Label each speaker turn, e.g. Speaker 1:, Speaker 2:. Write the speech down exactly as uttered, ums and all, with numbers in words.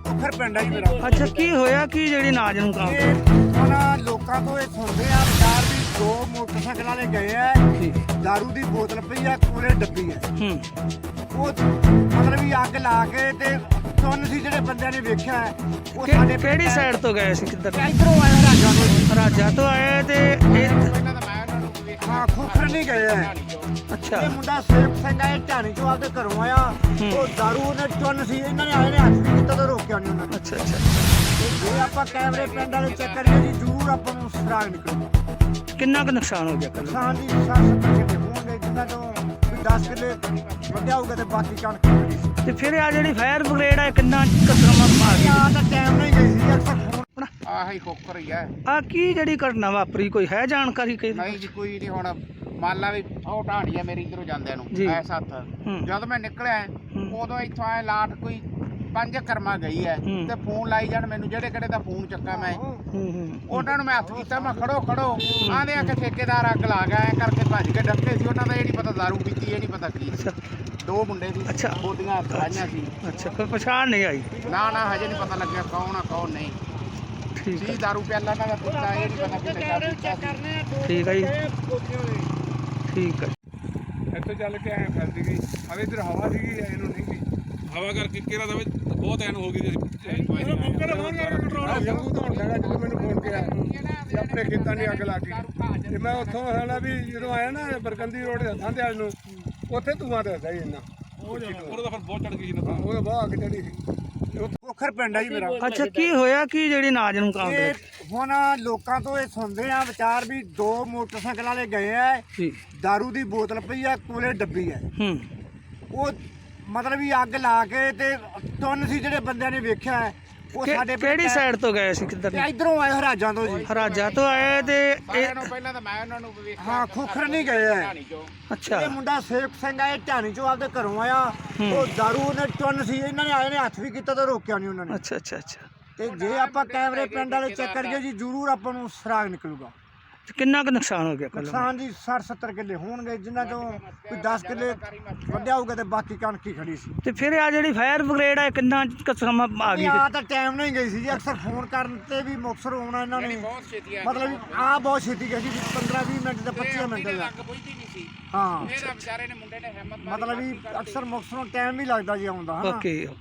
Speaker 1: ਉਖਰ ਪਿੰਡ ਆ ਜੀ ਮੇਰਾ।
Speaker 2: ਅੱਛਾ, ਕੀ ਹੋਇਆ ਕੀ ਜਿਹੜੀ ਨਾਜ ਨੂੰ ਕਾਂ
Speaker 1: ਇਹ ਹੁਣ ਲੋਕਾਂ ਤੋਂ ਇਹ ਸੁਣਦੇ ਆ ਬਾਜ਼ਾਰ ਵੀ ਦੋ ਮੋਟਰਸਾਈਕਲਾਂ ਵਾਲੇ ਗਏ ਆ, ਦਾਰੂ ਦੀ ਬੋਤਲ ਪਈ ਆ, ਕੋਲੇ ਡੱਬੀ ਆ।
Speaker 2: ਹੂੰ
Speaker 1: ਉਹ ਮਤਲਬ ਵੀ ਅੱਗ ਲਾ ਕੇ ਤੇ ਸੁਣ ਸੀ ਜਿਹੜੇ ਬੰਦਿਆਂ ਨੇ ਵੇਖਿਆ ਉਹ ਸਾਡੇ
Speaker 2: ਕਿਹੜੀ ਸਾਈਡ ਤੋਂ ਗਏ ਸੀ, ਕਿੱਧਰ?
Speaker 1: ਇਧਰੋਂ ਆਏ ਰਾਜਾ ਤੋਂ।
Speaker 2: ਰਾਜਾ ਤੋਂ ਆਏ ਤੇ ਇਹ
Speaker 1: ਹਾਂ, ਖੋਖਰ ਨਹੀਂ ਗਏ ਆ।
Speaker 2: ਅੱਛਾ
Speaker 1: ਇਹ ਮੁੰਡਾ ਸੇਵ ਸਿੰਘ ਆ, ਇਹ ਢਾਣੀ ਚੋਂ ਆਪਦੇ ਘਰੋਂ ਆਇਆ। ਉਹ ਦਾਰੂ ਉਹਨੇ ਚੁੰਨ ਸੀ, ਇਹਨਾਂ ਨੇ ਆਏ ਨੇ ਹੱਥ ਵੀ ਕੀਤਾ ਤਾਂ ਰੋਕਿਆ ਨਹੀਂ ਉਹਨਾਂ ਨੇ।
Speaker 2: ਅੱਛਾ ਅੱਛਾ
Speaker 1: ਤੇ ਜੇ ਆਪਾਂ ਕੈਮਰੇ ਪਿੰਡ ਵਾਲੇ ਚੈੱਕ ਕਰੀਏ ਜੀ, ਜ਼ਰੂਰ ਆਪਾਂ ਨੂੰ ਸੁਰਾਗ ਨਿਕਲੂਗਾ।
Speaker 2: ਕਿੰਨਾ ਕੁ ਨੁਕਸਾਨ ਹੋ ਗਿਆ ਕੱਲ?
Speaker 1: ਕਿਸਾਨ ਦੀ ਸੱਠ ਸੱਤਰ ਕਿੱਲੇ ਹੋਣਗੇ, ਜਿਨ੍ਹਾਂ ਤੋਂ ਵੀ ਦਸ ਕਿੱਲੇ ਵੱਢਿਆ ਹੋਊਗਾ ਤੇ ਬਾਕੀ ਕਣਕ ਖੜੀ ਸੀ।
Speaker 2: ਤੇ ਫਿਰ ਆ ਜਿਹੜੀ ਫਾਇਰ ਬ੍ਰਿਗੇਡ ਆ ਕਿੰਨਾ ਕਸਰਮਾ ਮਾਰ ਗਈ?
Speaker 1: ਆ ਤਾਂ ਟਾਈਮ ਨਹੀਂ ਗਈ ਸੀ, ਅਕਸਰ ਫੋਨ
Speaker 3: ਆਹੀ ਖੋਖਰ ਹੀ ਹੈ।
Speaker 2: ਆ ਕੀ ਜਿਹੜੀ ਘਟਨਾ ਵਾਪਰੀ, ਕੋਈ ਹੈ ਜਾਣਕਾਰੀ? ਕੋਈ
Speaker 3: ਨਹੀਂ ਜੀ, ਕੋਈ ਨਹੀਂ। ਹੁਣ ਮੰਨ ਲਾ ਵੀ ਉਹ ਢਾਣੀ ਆ ਮੇਰੀ ਇਧਰੋਂ ਜਾਂਦਿਆਂ ਨੂੰ
Speaker 2: ਜੀ।
Speaker 3: ਐਸ ਹੱਥ
Speaker 2: ਹੂੰ।
Speaker 3: ਜਦ ਮੈਂ ਨਿਕਲਿਆ
Speaker 2: ਹੂੰ।
Speaker 3: ਉਦੋਂ ਇੱਥੋਂ ਆਏ ਲਾਟ ਕੋਈ ਪੰਜ ਕਰਮਾ ਗਈ ਹੈ
Speaker 2: ਹੂੰ।
Speaker 3: ਤੇ ਫੋਨ ਲਾਈ ਜਾਣ ਮੈਨੂੰ, ਜਿਹੜੇ ਕਿਹੜੇ ਦਾ ਫੋਨ ਚੱਕਾ ਮੈਂ
Speaker 2: ਹੂੰ ਹੂੰ
Speaker 3: ਉਹਨਾਂ ਨੂੰ ਮੈਂ ਹੱਥ ਕੀਤਾ, ਮੈਂ ਖੜੋ ਖੜੋ ਆਂਦੇ ਆ ਕਿ ਠੇਕੇਦਾਰ ਅੱਗ ਲਾ ਗਿਆ, ਐ ਕਰਕੇ ਭੱਜ ਕੇ ਡੱਕੇ ਸੀ। ਉਹਨਾਂ ਦਾ ਇਹ ਨਹੀਂ ਪਤਾ ਦਾਰੂ ਪੀਤੀ, ਇਹ ਨਹੀਂ ਪਤਾ ਕੀ
Speaker 2: ਅੱਛਾ
Speaker 3: ਦੋ ਮੁੰਡੇ ਸੀ,
Speaker 2: ਅੱਛਾ।
Speaker 3: ਬੋਦੀਆਂ ਖਾਈਆਂ ਸੀ।
Speaker 2: ਅੱਛਾ, ਕੋਈ ਪਛਾਣ ਨਹੀਂ ਆਈ?
Speaker 3: ਨਾ ਨਾ ਹਜੇ ਨਹੀਂ ਪਤਾ ਲੱਗਿਆ ਕੌਣ ਆ ਕੌਣ ਨਹੀਂ।
Speaker 2: ਠੀਕ
Speaker 3: ਸੀ
Speaker 2: ਹੈ
Speaker 3: ਦਾਰੂ ਪਿਆਲਾ ਨਾ ਦਾ ਪੀਤਾ, ਇਹ ਨਹੀਂ ਪਤਾ ਕਿੱਥੇ ਦਾ ਪੀਤਾ ਸੀ।
Speaker 2: ਠੀਕ ਹੈ ਜੀ, ਠੀਕ ਹੈ।
Speaker 4: ਇੱਥੋਂ ਚੱਲ ਕੇ ਐਂ ਫਸ ਗਈ ਹਵੇ, ਇਧਰ ਹਵਾ ਸੀਗੀ ਇਹਨੂੰ ਨਹੀਂ ਸੀ ਹਵਾ ਕਰਕੇ ਕਿਹੜਾ ਦਵੇ ਬਹੁਤ ਐਨ ਹੋ ਗਈ ਸੀ। ਜੰਗੂ ਤੋਂ ਲੈਣਾ ਜਦੋਂ ਮੈਨੂੰ ਫੋਨ ਕੀਤਾ ਕਿ ਆਪਣੇ ਖੇਤਾਂ ਦੀ ਅੱਗ ਲੱਗ ਗਈ ਤੇ ਮੈਂ ਉੱਥੋਂ ਹਣਾ ਵੀ ਜਦੋਂ ਆਇਆ ਨਾ ਬਰਕੰਦੀ ਰੋਡ ਦੇ ਹੱਥਾਂ ਤੇ ਆਲ ਨੂੰ, ਉੱਥੇ ਧੂਆਂ ਦੱਸਦਾ ਹੀ ਇੰਨਾ। ਉਹਦਾ ਫਿਰ ਬਹੁਤ ਚੜ ਗਈ ਸੀ ਨਾ, ਉਹਦਾ ਬਹੁਤ ਅੱਗ ਚੜੀ ਸੀ।
Speaker 1: ਖੋਖਰ ਪਿੰਡ ਆ ਜੀ ਮੇਰਾ।
Speaker 2: ਅੱਛਾ, ਕੀ ਹੋਇਆ ਕੀ ਜਿਹੜੀ ਨਾਜ ਨੂੰ ਕਾਂ
Speaker 1: ਇਹ ਹੁਣ ਲੋਕਾਂ ਤੋਂ ਇਹ ਸੁਣਦੇ ਆ ਵਿਚਾਰ ਵੀ ਦੋ ਮੋਟਰਸਾਈਕਲਾਂ ਵਾਲੇ ਗਏ ਆ,
Speaker 2: ਜੀ?
Speaker 1: ਦਾਰੂ ਦੀ ਬੋਤਲ ਪਈ ਆ, ਕੋਲੇ ਡੱਬੀ ਆ।
Speaker 2: ਹੂੰ
Speaker 1: ਉਹ ਮਤਲਬ ਵੀ ਅੱਗ ਲਾ ਕੇ ਤੇ ਤੁੰਨ ਸੀ ਜਿਹੜੇ ਬੰਦਿਆਂ ਨੇ ਵੇਖਿਆ ਉਹ ਸਾਡੇ
Speaker 2: ਕਿਹੜੀ ਸਾਈਡ ਤੋਂ ਗਏ ਸੀ, ਕਿੱਧਰ?
Speaker 1: ਇਧਰੋਂ ਆਏ ਹਰਾਜਾਂ ਤੋਂ ਜੀ।
Speaker 2: ਰਾਜਾ ਤੋਂ ਆਏ ਤੇ
Speaker 3: ਸਾਰਿਆਂ
Speaker 2: ਇਹ
Speaker 3: ਨੂੰ ਪਹਿਲਾਂ ਤਾਂ ਮੈਂ ਉਹਨਾਂ ਨੂੰ ਵੇਖਿਆ।
Speaker 1: ਹਾਂ, ਖੋਖਰ ਨਹੀਂ ਗਏ ਆ।
Speaker 3: ਢਾਣੀ ਚੋਂ
Speaker 2: ਅੱਛਾ
Speaker 1: ਇਹ ਮੁੰਡਾ ਸੇਵ ਸਿੰਘ ਆ, ਇਹ ਢਾਣੀ ਚੋਂ ਆਪਦੇ ਘਰੋਂ ਆਇਆ। ਉਹ ਦਾਰੂ ਉਹਨੇ ਚੁੰਨ ਸੀ, ਇਹਨਾਂ ਨੇ ਆਏ ਨੇ ਹੱਥ ਵੀ ਕੀਤਾ ਤਾਂ ਰੋਕਿਆ ਨਹੀਂ ਉਹਨਾਂ ਨੇ।
Speaker 2: ਅੱਛਾ ਅੱਛਾ ਅੱਛਾ
Speaker 1: ਤੇ ਜੇ ਆਪਾਂ ਕੈਮਰੇ ਪਿੰਡ ਵਾਲੇ ਚੈੱਕ ਕਰੀਏ ਜੀ, ਜ਼ਰੂਰ ਆਪਾਂ ਨੂੰ ਸੁਰਾਗ ਨਿਕਲੂਗਾ।
Speaker 2: ਤੇ ਕਿੰਨਾ ਕੁ ਨੁਕਸਾਨ ਹੋ ਗਿਆ ਕੱਲ?
Speaker 1: ਕਿਸਾਨ ਦੀ ਸੱਠ ਸੱਤਰ ਕਿੱਲੇ ਹੋਣਗੇ, ਜਿਨ੍ਹਾਂ ਤੋਂ ਕੋਈ ਦਸ ਕਿੱਲੇ ਵੱਢਿਆ ਹੋਊਗਾ ਤੇ ਬਾਕੀ ਕਣਕ ਹੀ ਖੜੀ ਸੀ।
Speaker 2: ਤੇ ਫਿਰ ਆ ਜਿਹੜੀ ਫਾਇਰ ਬ੍ਰਿਗੇਡ ਆ ਕਿੰਨਾ ਕਸਰਮਾ ਆ ਗਈ?
Speaker 1: ਆ ਤਾਂ ਟਾਈਮ ਨਹੀਂ ਗਈ ਸੀ ਜੀ, ਅਕਸਰ ਫੋਨ ਕਰਨ ਤੇ ਵੀ ਮੁਕਤਸਰ ਆਉਣਾ ਇਹਨਾਂ ਨੇ।
Speaker 3: ਬਹੁਤ ਛੇਤੀ ਆ
Speaker 1: ਮਤਲਬ ਆ ਬਹੁਤ ਛੇਤੀ ਗਈ ਸੀ, ਪੰਦਰਾਂ ਵੀਹ ਮਿੰਟ ਤੇ ਪੱਚੀ ਮਿੰਟ ਦਾ।
Speaker 3: ਅੱਗ ਬੁਝਦੀ ਨਹੀਂ ਸੀ।
Speaker 1: ਹਾਂ,
Speaker 3: ਇਹਦਾ ਵਿਚਾਰੇ ਨੇ ਮੁੰਡੇ ਨੇ ਹਿੰਮਤ ਮਾਰੀ।
Speaker 1: ਮਤਲਬ ਵੀ ਅਕਸਰ ਮੁਕਤਸਰੋਂ ਟਾਈਮ ਵੀ ਲੱਗਦਾ ਜੀ ਆਉਂਦਾ ਹਨਾ।
Speaker 2: ਓਕੇ।